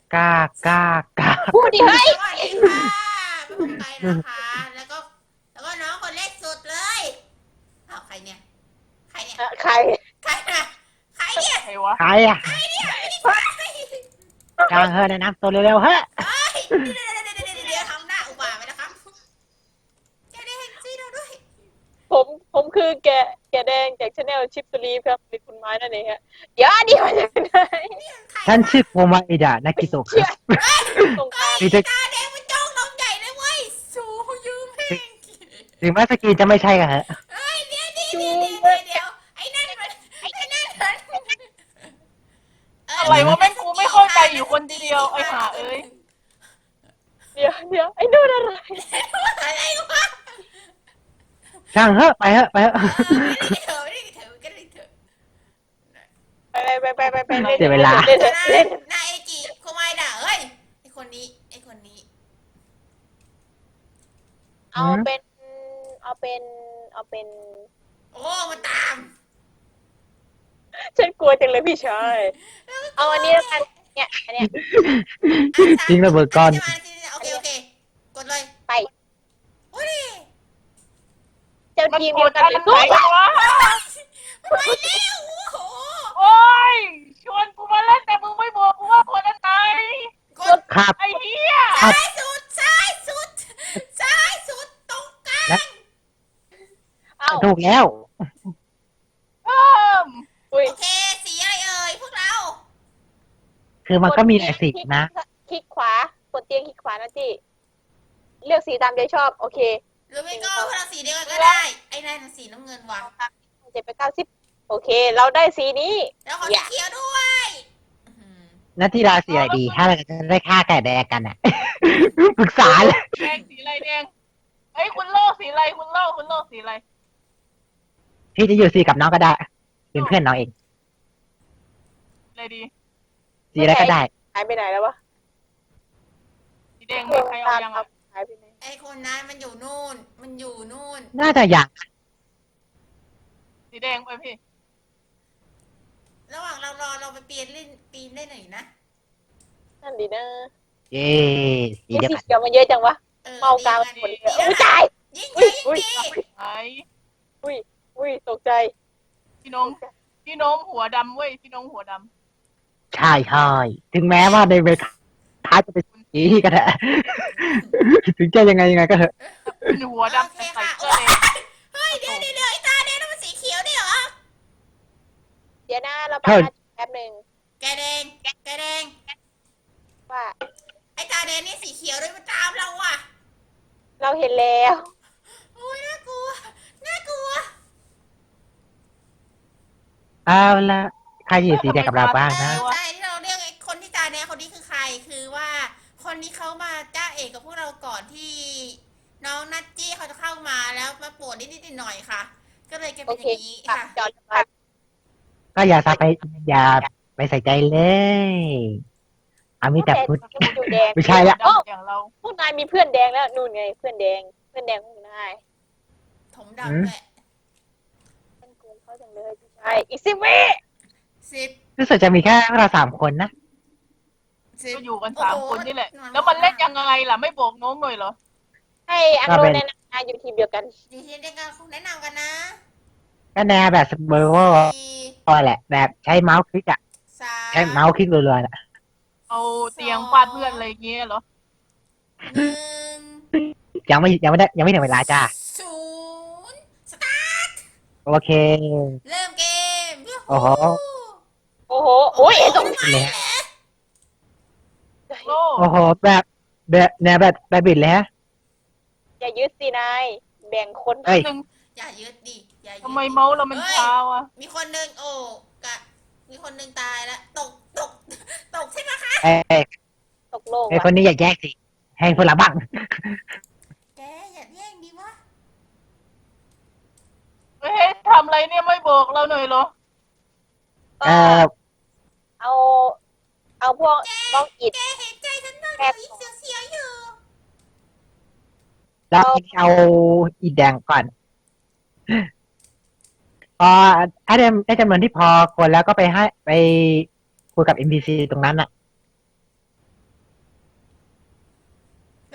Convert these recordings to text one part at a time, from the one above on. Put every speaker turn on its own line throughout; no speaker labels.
กากากา
พูดดิเฮ้ย
สวัสดีค่ะเป็นผมไปนะคะแล้วก็น้องคนเล็กสุดเลยอ้าวใครเนี่ยใครเนี่ย
ใคร
ใครนะใครเนี่ย
ใครวะ
ใครอ่ะ
ใครเนี่ยไม่ได้ใคร
กลางเฮ้ยแนะนำตัวเร็วๆเฮ้ย
เฮ้ยเดี๋ยวทำหน้าอุบาทไปนะครับแกได้เห็นซีเราด้วย
ผมคือแกแดงจากชาแนลชิปตุลีครับเป็นคุณไม้นั่นเองฮะเดี๋ยวนี่มาจากไหน
ฉันชื่อโคมาอิดะนากิโตะครับ
ตรงกลาง
ถึงจะ
ตาแดงมันจ้องน้องใหญ่เลยเว้ยสูยืมแม่ง
ถึงแม้สกีจะไม่ใช่กันเหรอ
เฮ้ยเดี๋ยวไอ้นั่นมัน
อะไรวะแม่งกูไม่เข้าใจอยู่คนเดียวไอ้ห่าเอ้ย
เดี๋ยวไอ้นู่นอะไร
อะไรวะ
ช่างเฮ้ยไปเฮ้ยไปเฮ้ย
ไม่ได้เถอะก็ได้เถอะ
ไป
เสียเวลา
เล่น
นายเอจิโคไมดะเฮ้ยไอคนนี้
เอาเป็น
โอ้มาตาม
ฉันกลัวจังเลยพี่ชายเอาอันนี้แล้วกันเนี่ยอันเนี้ย
จริงระเบิดก้อน
โอเคกดเลย
ไป
โอ้ย
เจ้า
มัน
ทีม
ก
เดียว
ด
กัน
อัน
เลย
ไหนวะ
ไปแล้วโอ้โห
โอ้ยชวนกูมาเล่นแต่มึงไม่บอกกูว่าคนอันไหน
กด
ครับ
ไอ้เหี้ย
ซ้ายสุดตรงกลาง
เอา
ถูกแล้ว
เพิ่ม
อุ้ย
โอเคสีอะไรเอ่ยพวกเรา
คือมันก็มีหลายสีนะ
คลิกขวากดเตียงคลิกขวานะจีเลือกสีตามใจชอบโอเค
หรือไม่ก็พวกเราสีเดียวกันก็ได้ไอ้นั่นสีน้ำเงินว่ะ
7 ไป 90โอเค เราได้สีนี้
แล้วขอสีเขียวด้วยอื้อหือ
นัทธิราสีอะไรดี ถ้าเราจะได้ฆ่าไก่แดงกันอ่ะ ปรึกษาเลย
แดงสีอะไรแดงเอ้ยคุณโลกสีอะไรคุณโลกสีอะไร
พี่จะอยู่สีกับน้องก็ได้ เป็นเพื่อนน้องเอง
อะไรดี
สีอะไรก็ได้
หายไปไหนแล้ววะ
สีแดงมีใครเอายังอ่ะ
หายไปไหน
ไอ้คนนั้นมันอยู่นู่น
น่าจะอยาก
สีแดงไปพี่
ระหว่างเรารอเราไปปีนได้หน่อยนะ
นั่นดีนะ
เย้สี
ไอ้
เดียว
สี
กัน
เขียวมันเยอะจังวะ เมากาว
ดี
คน
ดี
เดียวอุ้ยตาย
ยิ่ง
อุ้
ดี
ย
ยิ่งดี
ไหน
อุ้ยตกใจ
พี่น้องหัวดำเว้ยพี่น้องหัวด
ใช่ใช่ถึงแม้ว่าในเวท้ายจะเป็นสีก็ได้ ถึงจะยังไงก็เถอะ
ำเป็นหัว
โอ
ดำ
เค
ใส่
ค่ะ
เสื้อแดง
เฮ้ยเดี๋ยวไอ้ตาแดงนั่นมันสีเขียวนี่เหรอ
เดี๋ยวนะเราไปนะแป๊บหนึ่ง
แกแดง
ว่า
ไอ้ตาแดงนี่สีเขียวด้วยมันตามเราอ่ะ
เราเห็นแล้ว
โอ้ยน่ากลัว
เอาละใครอยู่สีแดงกับเราบ้างนะ
ใช่ที่เราเรียกไอ้คนที่ตาแดงคนนี้คือใคร คือว่าคนนี้เขามาจ้าเอกกับพวกเราก่อนที่น้องนัตจี้เขาจะเข้ามาแล้วมาปวดนิดหน่อยค่ะ ก็เลยแก
โอ
เป็นอ
เค
ย่างนี้ค่ะ
จอดไป
ก็อย่าไปใส่ใจเลยเอามีแต่พูด
อยู่แดง
ไม่ใช่ละ
ดำอย่างเรา
พวกนายมีเพื่อนแดงแล้วนู่นไงเพื่อนแดงของนาย
ถมดำแหละ
ฉันกลัวเขาจังเลยพี่ชายอีก10 วิ
10
รู้สึกจะมีแค่เรา3 คนนะ
ก็อยู่กัน3 คนนี่แหละ แล้วมันเล่นยังไงล่ะไม่บอกน้องหน่อยเหรอ
ให้อังโลแนะนำนายอยู่ทีมเดียวกัน
ดีที่ได้การแนะนำกันนะ
ก็แนวแบบเบอร์ว่า
4
แหละ แบบใช้เมาส์คลิกอะใช้เมา
3
ส์คลิกรัวๆน่ะ
เอาเตียงฟาดเพื่อนอะไรอย่างเงี้ยเหรอ
1
ยังไม่ถึงเวลาจ้า
0 สตาร์ท
โอเค
เริ่มเกม
โอ้โห
โอ้โหโอ้ยตก
เลยฮะ
โอ้
โอ้โหแบบแนวแบบบิดเลยฮะ
อย่ายึดสินายแบ่งคน
เอ้ย
หนึ่ง
อย่ายึดดิอย่ายึด
ทำไมเมาส์เรามันช้าวะ
มีคนหนึ่งโอ้กะมีคนหนึ่งตายแล้วตกใช่ไหมคะ
เอ้ย
ตกโลก
ไอ้คนนี้อย่าแยกสิ ให้คนละบ้าง
แกอย่าแย่งดิวะ
เฮ้ยทำอะไรเนี่ยไม่บอกเราหน่อยเหรอ
เออ
เอาพวกบล็อกอิด
แกเห็นใจฉันบ้างอีกเสียวๆอยู่
เราเอาอีแดงก่อน พอได้จำนวนที่พอคนแล้วก็ไปคุยกับ NPC ตรงนั้นอ่ะ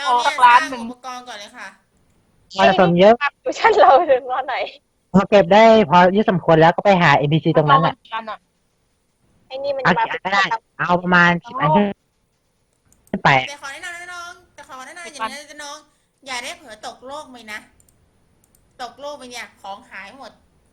ขอสักล้านหนึ่ง
อุปกรณ์ก่อนเลยค่ะ
มาสะสมเยอะ
ดูชั้นเราถึงตอนไหน
พอเก็บได้พอเยอะสมควรแล้วก็ไปหา NPC ตรงนั้นอ่ะ
กันอ่ะ
ไอ้นี่มัน
เอา
มา
กี่อันก็ได้ เอาประมาณ10 อันขึ้นไป
แต่ขอแนะนำนะน้องแต่ขอแนะนำอย่างนี้นะน้อง อย่าได้เผลอตกโลกไปนะ ตกโลกไปเนี่ยของหายหมด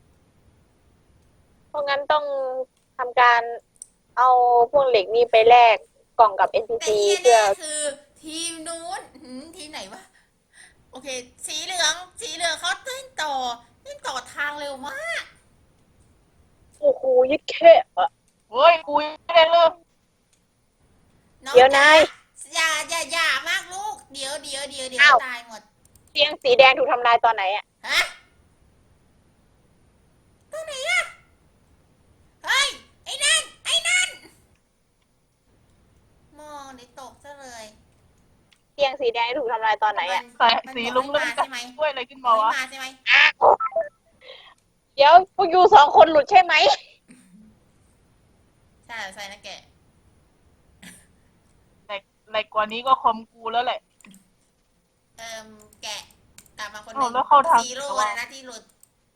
เพราะงั้นต้องทำการเอาพวกเหล็กนี่ไปแลกกล่องกับ
แต่
NPC
ที่
เพื่อ
แน่ๆคือทีมนู้นทีมไหนวะ โอเค สีเหลืองเขาเต้นต่อทางเร็วมาก
โอ้โหยึดแค่อะ
เฮ้ยกูยังไม่ได้เริ่ม
น้อง
เดี๋ยวนาย
อย่ามากลูก เดี๋ยว
อ้าว
ตายหมด
เตียงสีแดงถูกทำลายตอนไหนอ่ะ
ฮะตัวไหนอะเฮ้ย ไอ้นั่น มองในตกซะเลย
เตียงสีแดงถูกทำลายตอนไหนอ่ะ
ใส่สีลุ้งแล้วมันจะช่วยอะไรขึ้นมาวะ
มาใช่ไหม
เดี๋ยวพวกยูสองคนหลุดใช่ไหม
ใช่นะแก
อะไรกว่านี้ก็คอมกูแล้วแหละ
แกะกลับมาคนห
อ้าว
นึ่ง
แล้วเข้าทาง
ซีโร่นะที่หลุด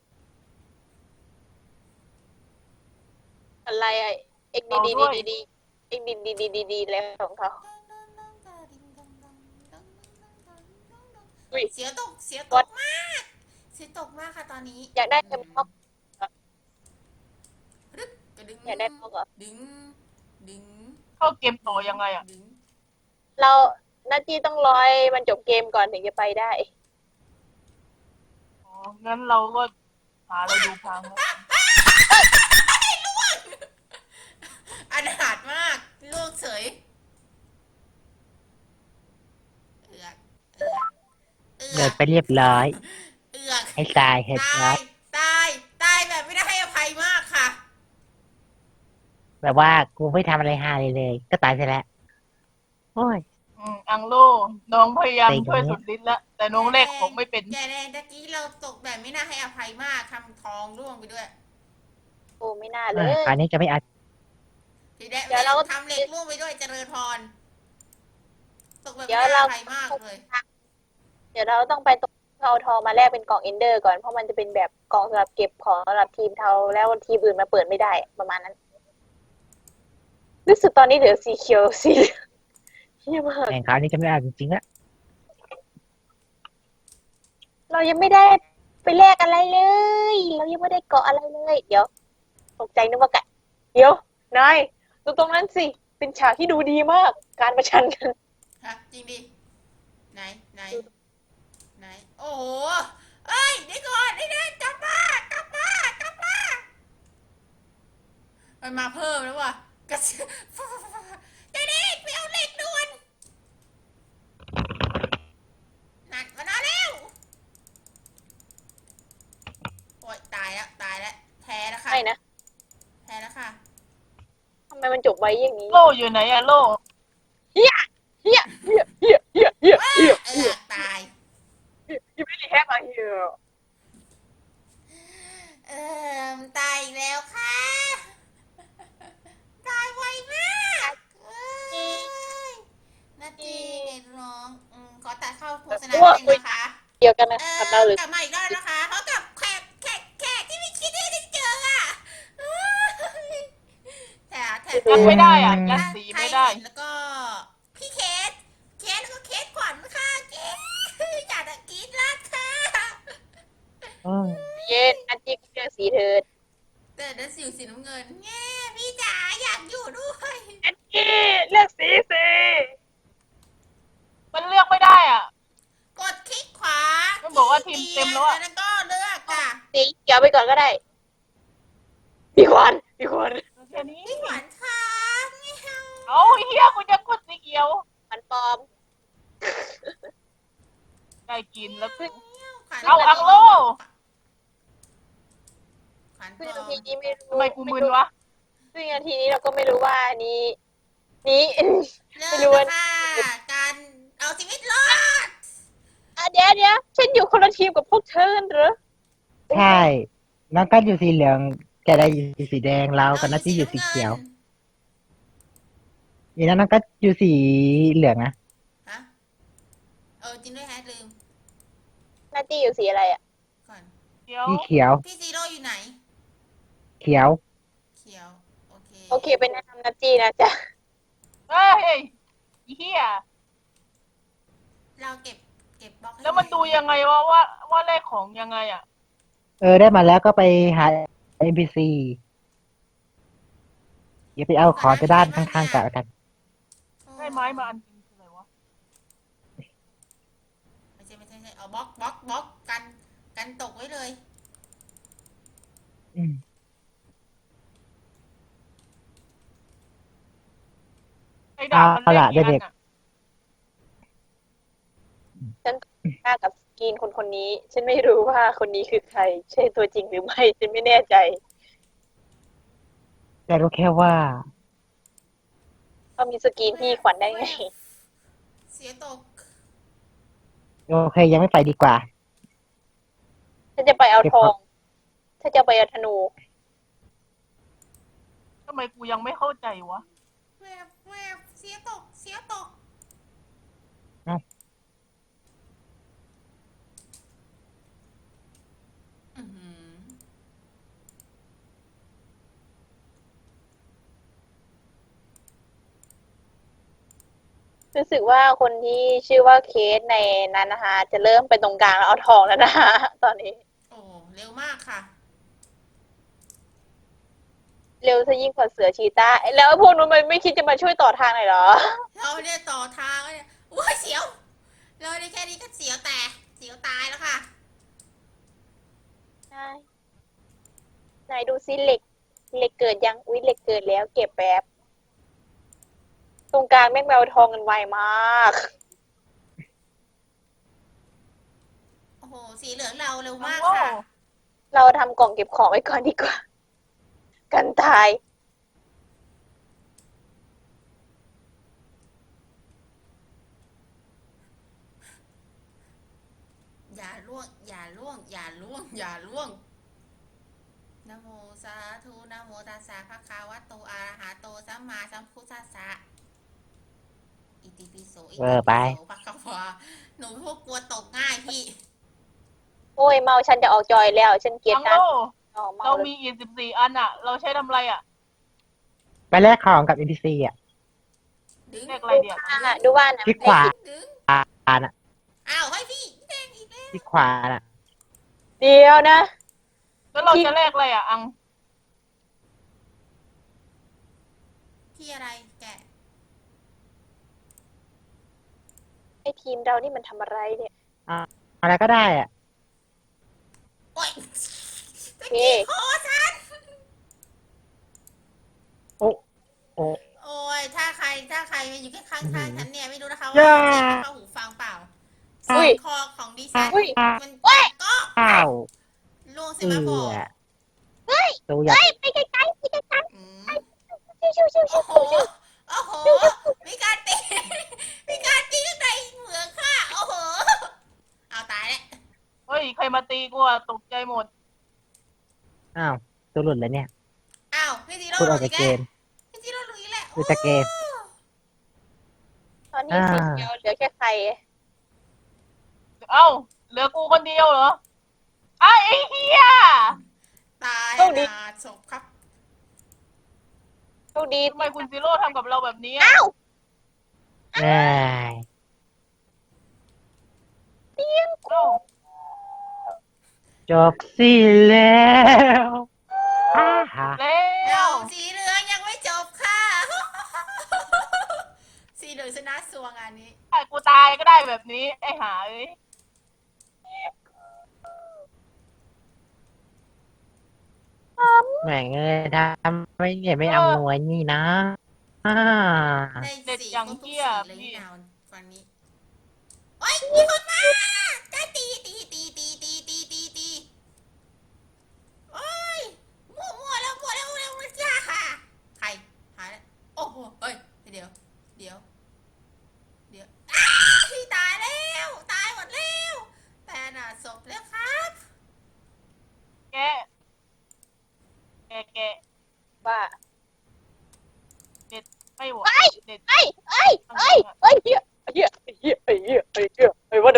อะไรอ่ะเอ็กดีดีดีดีเอ็กดีแล้วของเขา อุ้ย
เสียตกมาก เสียตกมากค่ะตอนนี้
อยากได้เทมบล็อก
ดึกกระดึง
อยากได้บล็อกเหรอ
ดึง
เข้าเกมต่อยังไงอ่ะ
ดึง
เราหน้าที่ต้องรอยมันจบเกมก่อนถึงจะไปได้
อ๋อ งั้นเราก็หาอะไรดูพังแล้ว
อนาถมากลูกเฉยเอือกเอือก
เดินไปเรียบร้อย
เอือก
ให้ตายเห็ดร้อย
ตายแบบไม่ได้ให้อภัยมากค่ะ
แบบว่ากูไม่ทำอะไรฮาเลย ก็ตายไปแล้ว โอ้ย
อังโลน้องพยายาม
เต็ง
ช่วยสุดฤทธิ์แล้ว แต่น้องแรกผมไม่เป็น
แกแดงตะกี้เราตกแบบไม่น่าให้อภัยมากทำทองร่วงไปด้วย
โอ้ไม่น่าเล
อ่ะ
ย
คราวนี้จะไม่อาจ
ทีแดง
เดี๋ยวเรา
ทำเหล็กร่วงไปด้วยเจริญพรตกแบบ
เดี๋
ไม่
ยว
น่า
เรา
อภัยมากเลย
เดี๋ยวเราต้องไปตรงเอาทองมาแลกเป็นกล่องเอนเดอร์ก่อนเพราะมันจะเป็นแบบกล่องสำหรับเก็บของสำหรับทีมเทาแล้วทีมอื่นมาเปิดไม่ได้ประมาณนั้นรู้สึกตอนนี้เหลือสีเขียวสีเหลืองเฮียมาก
แข่งคราวนี้จะไม่อาจจริงๆละ
เรายังไม่ได้ไปแลกอะไรเลย เรายังไม่ได้เกาะอะไรเลย เดี๋ยวตกใจนึกว่าไก่เดี๋ยวนายดูตรงนั้นสิ เป็นฉากที่ดูดีมาก การประชันกัน
ฮะจริงดิไหนโอ้โหเอ้ยเดี๋ยวก่อนไอ้นั่นกลับมามันมาเพิ่มแล้วว่ะกระเสือเด็กไปเอาเหล็กด่วนนัดมานอนแล้วโอ๊ยตายแล้วแพ้แล้วค่ะ
ไม่นะ
แพ้แล้วค่ะ
ทำไมมันจบไว้อย่างนี้
โลอยู่ไหนอะโล
เฮีย
ตาย
You really have a hero
ตายอีกแล้วค่ะ ตายไวมากเอ้ยนาทีไงน้องขอตัดเข้าโฆษณาเองนะคะ
เดียวกันนะกับเราหรือก
ลับมาอีกรอบนะคะเขากับแขกที่ไม่คิดที่จะเจออ่ะแต่
ยัดไม่ได้อ่ะยัดสีไม่ได้
แล้วก็พี่เคสแล้วก็เคสขวัญค่ะเคสอยากจะกรี๊ดลัดค่ะ
อืม
เย็นอันจิกเรื่องสีเถิด
แต่นั่นสีน้ำเงินแง่พี่จ๋าอยากอยู่ด้วย
อันจิเลือกสีสิ
มันเลือกไม่ได้อ่ะ
กดคลิกขวา
มันบอกว่าทีมเต็มแล้วอะ
แล้วก็เลือกอ่ะ
สีเขียวไปก่อนก็ได้พี่ขวัญ
แค่นี้
พี่ขวัญค่ะไม่เอา
เอาเฮียกูจะกดสีเขียว
มันปลอม
ได้กินแล้วขึ้น
ขวัญ
เอาอังโล
ขวัญ
ซึ่ง
ปล
นา
อม
ทีนี้ไม่รู้
ทำไมกูมึนวะ
ซึ่งนาทีนี้เราก็ไม่รู้ว่านี้
เริ่
ไม่รู้
ม
ว่า
ค่ะการเอาชีวิตรอด
เดี๋ยวฉันอยู่คนละทีมกับพวกเธอเหรอ
ใช่ น้องก็อยู่สีเหลืองจะได้อยู่สีแดงเรากับนัทที่อยู่สีเขียวนี่นะน้องก็อยู่สีเหลืองนะ
ฮะจริงด้วยแฮะลืม
นาตี้อยู่สีอะไรอ่ะ
ก่อน
เดี๋ยว
สีเขียว
พี่ซีโร่อยู่ไหน
เขียว
เขียว โอเค
โอเคเป็นแนะนำนาตี้นะจ๊ะ
เฮ้ยอีเหี้ย
เราเก็บบล็อกให้
แล้วมันดูยังไงว่าเลขของยังไงอ่ะ
ได้มาแล้วก็ไปหา NPC อย่าไปเอาขอจะด้านข้างๆกัน
ได้ไม้มาอันจริงคืออะไรวะ
ไม่ใช่เอาบล็อกกันตกไว้เลย
อืม
ไอ้ดาบมัน
เอา
เล
ล่ะ
ขกี่อั
เด็
น
ก
อ่ะ
หน้ากับสกรีนคนนี้ ฉันไม่รู้ว่าคนนี้คือใคร ใช่ตัวจริงหรือไม่ ฉันไม่แน่ใจ
แต่รู้แค่ว่า
เขามีสกรีนพี่ขวัญได้ไง
เสียตก
โอเคยังไม่ไปดีกว่า
ฉันจะไปเอาทอง ถ้าจะไปเอาธนู
ทำไมกูยังไม่เข้าใจวะ
แวบเสียตก
เอ้า
อื้อหือ
รู้สึกว่าคนที่ชื่อว่าเคสในนั้นนะคะ จะเริ่มไปตรงกลางแล้วเอาทองแล้วนะคะ ตอนนี้
โอ้เร็วมากค่ะ
เร็วซะยิ่งกว่าเสือชีต้าแล้วพวกนู้นมันไม่คิดจะมาช่วยต่อทางหน่อยเหรอ
เราเนี่ยต่อทางแล้วเนี่ยอุ้ยเสียว เราได้แค่นี้ก็เสียวแต่เสียวตายแล้วค่ะ
ใช่ไหนดูซิเหล็กเกิดยัง อุ๊ยเหล็กเกิดแล้ว เก็บแป๊บ ตรงกลางแม่งแมวทองกันไวมาก
โอ้โห สีเหลืองเราเร็วมาก
โอ้
ค่ะ
เราทำกล่องเก็บของไว้ก่อนดีกว่า กันตาย
อย่าล่วงนะโมสาธุนะโมตัสสะภะคะวะโตอะระหะโตสัมมาสัมพุทธัสสะอิติปิโสอิติ
ไป
ปิโสภะคะวะหนูพวกกลัวตกง่ายพี่
โอ้ยเมาฉันจะออกจอยแล้ว ฉันเกลียด
ทั้ง
การ
โล
อ๋อเมา
เรา
เลย
มีอีก14 อันอ่ะ เราใช้ทำอะไรอ่ะ
ไปแลกของกับ NPC อ่ะ
ดึง
เลขอะไรเดียว
ดูว่านะ
คลิกขวา
ดึง
น่ะ
อ้าวให้พี่แดงอีกแล้ว
คลิกขวาน่ะ
เดียวนะ
แล้วเราจะเลขอะไรอ่ะ อัง
พี่อะไรแกะ
ไอทีมเรานี่มันทำอะไรเนี่ย
อะไรก็ได้อ่ะ
โอ้ยตะ
เอ๊
กี้คอฉัน
โอ้
โอ้ยถ้าใครมาอยู่ข้างๆฉันเนี่ยไม่รู้นะคะ
ย่า
ว่าเสียงเข้าหูฟังเปล่า
อุ้
เสี
ย
ยงคอของดิฉัน
อุ้ย
มันก็
อ้าว
ล่วงใช่ไหมพ่อ
ตัวใหญ่
ไปไกลๆไปไกล
อืม
ๆชิวๆ
โอ้โห โอ้โห มีการตี มีการตีข้างในเหมืองค่ะ โอ้โห เอาตายแล้ว
เฮ้ย ใครมาตีกูอ่ะ ตกใจหมด
อ้าวตัวหลุดเลยเนี่ย
อ้าวพี่ซีโร่
พูด
ห
อ
ลุ
อก
ด
จาก
อีก
เก
แล้ว
ม
พี่ซีโร่หลุดอีกแล้ว
หลุดจากเกม
ๆตอนนี้สีเขียวเหลือแค่ใคร
เอ้า เหลือกูคนเดียวเหรอไอ้เหี้ย
ตาย
โชคดี
นาศพครับ
โชคดี
ทำไมคุณซีโร่ทำกับเราแบบนี้
อ้าว
ได้
เตียง
เอ้า
จบสิแล้วอ้าฮะ
แล้
เดี๋ยว
ว
สีเหลืองยังไม่จบค่ะ สีเหลืองชนะสัวงานนี้
ไอ้กูตายก็ได้แบบนี้ ไอ้หาเอ้ย
แหม่งเอ้ยทำไม่เนี่ยไม่อำนวยนี่นะอ่า
ได้
เด็ด
สี
อย่าง
ครบทุก
เหี้
สี
ย
เลย
พี่
นี่นาฝั่งนี้โอ๊ยมีคนมาจะตีโอ๊ยมั่วแล้วจ้าค่ะ ใครหายแล้วโอ้โหเฮ้ยเดี๋ยวอ้าพี่ตายแล้วตายหมดแล้วแต่น่ะศพแล้วครับ
แกแก
ว่า
ไม่ไหวเด็ด
เอ้ยเหี้ยไอ้วัน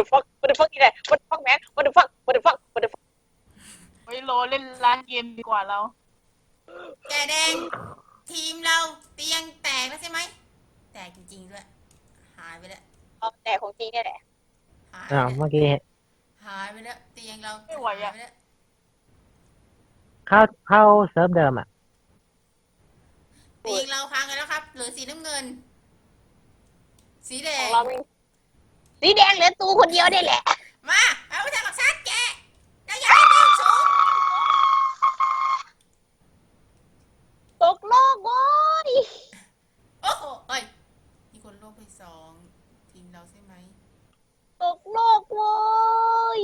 เรา
แกแดง ทีมเราเตียงแตกแล้วใช่ไหม แตกจริงๆด้วย หายไปแล้ว
เอาแต่ของจริงเนี่ยแหละ
หายไป
อ่า
แล้ว
เมื่อกี้
หายไปแล้วเตียงเรา
ไม่ไหวอะ
หายไปแล้ว
เข้าเซิร์ฟเดิมอ่ะ
เตียงเราพังกันแล้วครับเหลือสีน้ำเงิน สีแด
ของ งเราไม่สีแดงเหลือตูคนเดียวได้แหละ
มาเอาไปทำกับชัดแกแล้วอย่าให้เตียงสูง
ตกโลกโว้ย
โอ้โหเอ้ยมีคนโลกไปสองทีมเราใช่ไหม
ตกโลกโว้ย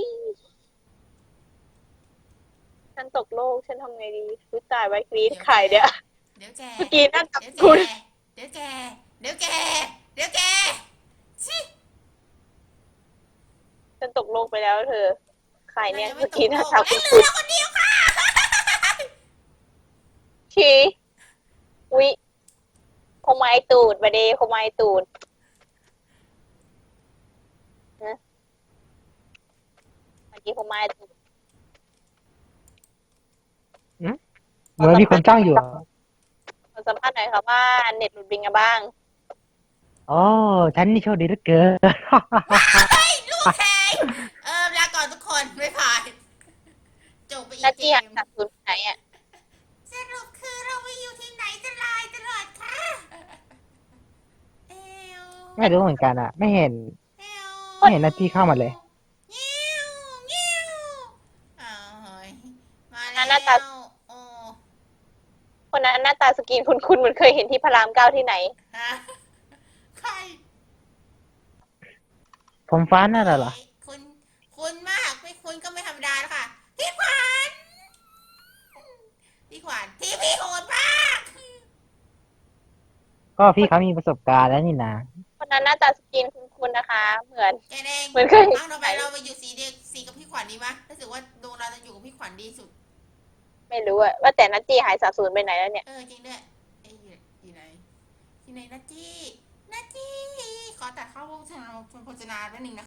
ฉันตกโลกฉันทำไงดีรู้ตายไว้กรีดไข่เดี๋ยว
เดี๋ยวแก
เมื่อกี้นั่งกับ
เดี๋ยวแก
คุณ
เดี๋ยวแก เดี๋ยวแก เดี๋ยวแกชิ
ฉันตกโลกไปแล้วเธอไข่เนี่ย
ราจะไม่
เมื่อกี้
ต
นั่ง
โล
กับ
เอ้ยเหลื
คุณ
อคนเดียวค่ะ
ชีวิคงไม้ตูดมาดีคงไม้ตูดนะเมื่อกี้คงไม้ตูด
เหมือนมีคนจ้างอยู่อะ
ขอสัมภาษณ์หน่อยค่ะว่าเน็ตหลุดบิงกันบ้าง
โอ้ฉันนี่โชคดีเหลือเกิน
เฮ้ยลูกแทงลาก่อนทุกคนไม่ผ่านจบไปอี
หน้าก
เก
ที่หัน
ม
จากศูนย์ไหนอ่ะ
สรุปคือเราไปอยู่ที่ไหนจะลายตลอดค่ะเอว
ไม่รู้เหมือนกันอ่ะ ไม่เห็น
เอว
ไม่เห็นหน้าที่เข้ามาเลย
เงี้ยวเงี้ยวอ้าวเฮ้ยมา
หน้า
แล้ว
ตา
โอ้
คนนั้นหน้าตาสกรีนคุณเหมือนเคยเห็นที่พระรามเก้าที่ไหน
ฮะใคร
ผมฟ้านั่นเหรอ
คุณมากไม่คุณก็ไม่ธรรมดาแล้วค่ะพี่ขวัญทีพี่โหดมาก
ก็พี่เขามีประสบการณ์แล้วนี่นะ
คนนั้นหน้าตาสกรีนคุณนะคะ เหมือน
แกเอง
เหมือนเคย
เอาต่อไปเราไปอยู่สีเดียวสีกับพี่ขวัญดีไหมรู้สึกว่าดวงเราจะอยู่กับพี่ขวัญดีสุด
ไม่รู้อะว่าแต่นัตตี้หายสาบสูญไปไหนแล้วเนี่ย
จริงด้วยเอ้ยอยู่ไหนที่ไหนนัตตี้ขอตัดเข้าวงโฆษณาแป๊บนึงนะคะ